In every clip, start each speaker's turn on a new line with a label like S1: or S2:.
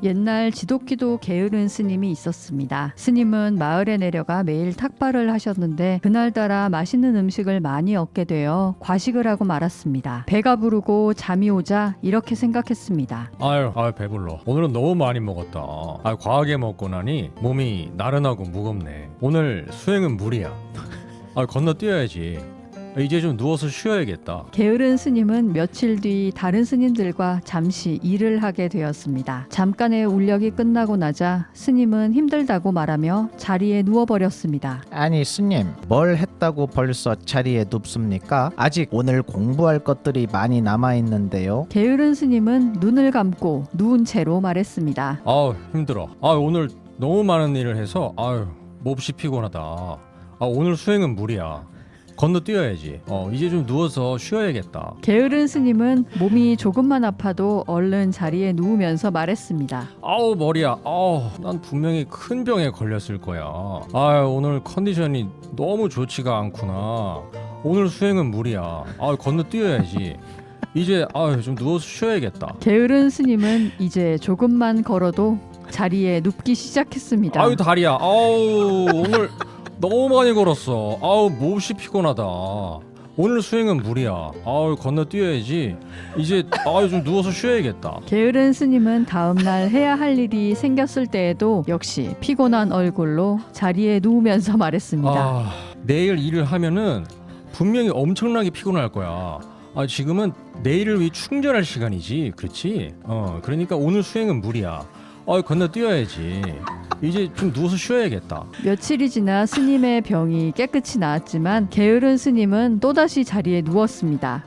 S1: 옛날 지독기도 게으른 스님이 있었습니다. 스님은 마을에 내려가 매일 탁발을 하셨는데 그날따라 맛있는 음식을 많이 얻게 되어 과식을 하고 말았습니다. 배가 부르고 잠이 오자 이렇게 생각했습니다.
S2: 아유 배불러. 오늘은 너무 많이 먹었다. 과하게 먹고 나니 몸이 나른하고 무겁네. 오늘 수행은 무리야. 건너뛰어야지. 이제 좀 누워서 쉬어야겠다.
S1: 게으른 스님은 며칠 뒤 다른 스님들과 잠시 일을 하게 되었습니다. 잠깐의 울력이 끝나고 나자 스님은 힘들다고 말하며 자리에 누워버렸습니다.
S3: 아니 스님, 뭘 했다고 벌써 자리에 눕습니까? 아직 오늘 공부할 것들이 많이 남아있는데요.
S1: 게으른 스님은 눈을 감고 누운 채로 말했습니다.
S2: 힘들어. 오늘 너무 많은 일을 해서 몹시 피곤하다. 오늘 수행은 무리야. 건너뛰어야지. 이제 좀 누워서 쉬어야겠다.
S1: 게으른 스님은 몸이 조금만 아파도 얼른 자리에 누우면서 말했습니다.
S2: 머리야. 난 분명히 큰 병에 걸렸을 거야. 오늘 컨디션이 너무 좋지가 않구나. 오늘 수행은 무리야. 건너뛰어야지. 이제 좀 누워서 쉬어야겠다.
S1: 게으른 스님은 이제 조금만 걸어도 자리에 눕기 시작했습니다.
S2: 다리야. 오늘 너무 많이 걸었어. 몹시 피곤하다. 오늘 수행은 무리야. 건너뛰어야지. 이제 좀 누워서 쉬어야겠다.
S1: 게으른 스님은 다음날 해야 할 일이 생겼을 때에도 역시 피곤한 얼굴로 자리에 누우면서 말했습니다.
S2: 내일 일을 하면은 분명히 엄청나게 피곤할 거야. 지금은 내일을 위해 충전할 시간이지. 그렇지? 그러니까 오늘 수행은 무리야. 건너뛰어야지. 이제 좀 누워서 쉬어야겠다.
S1: 며칠이 지나 스님의 병이 깨끗이 나았지만 게으른 스님은 또다시 자리에 누웠습니다.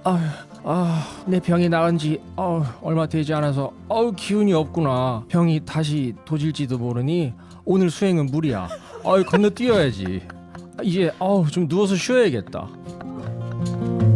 S2: 내 병이 나은 지 얼마 되지 않아서 기운이 없구나. 병이 다시 도질지도 모르니 오늘 수행은 무리야. 건너뛰어야지. 이제 좀 누워서 쉬어야겠다.